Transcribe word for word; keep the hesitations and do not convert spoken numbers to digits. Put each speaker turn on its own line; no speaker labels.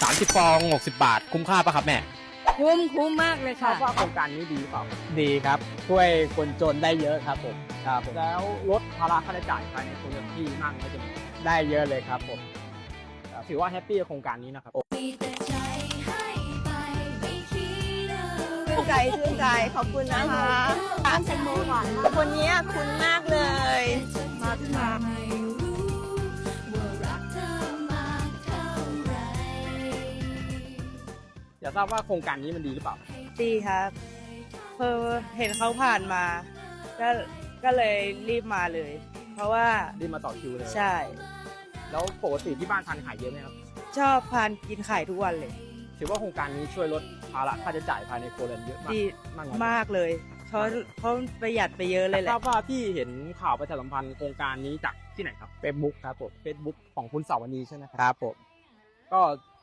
สามสิบฟองหกสิบบาทคุ้มค่าปะครับแม่
คุ้มคุ้มมากเลย
ทรา
ค่ะ
บว่าโครงการนี้ดีเปล่า
ดีครับช่วยคนจนได้เยอะครับผมครับผม
แล้วลดภาระค่าใช้จ่ายภายในครัวเรือนที่นั่งก็จะมี
ได้เยอะเลยครับผม
ถือว่าแฮปปี้กับโครงการนี้นะครับ
ชื่นใจชื่นใจขอบคุณนะคะร้านแตงโมหวานมากคนนี้คุณมากเลย มาที่มา
อยากทราบว่าโครงการนี้มันดีหรือเปล่า
ดีครับเพอเห็นเขาผ่านมา ก็ก็เลยรีบมาเลย เพราะว่า
รีบมาต่อคิวเลย
ใช่
แล้วปกติที่บ้านทานไข่เยอะไหมครับ
ชอบทานกินไข่ทุกวันเลย
ถือว่าโครงการนี้ช่วยลดภาระค่าใช้จ่ายภายในครัวเรือนเยอะมาก
ดี
มากน้อย
มากเลยเขาเขาประหยัดไปเยอะเลยแห
ทรา
ละ
บว่าพี่เห็นข่าวประชาสัมพันธ์โครงการนี้จากที่ไหนครับ
เฟซบุ๊กครับผม
Facebook ของคุณสาวนีใช่ไหมครับ
ครับผม
ก็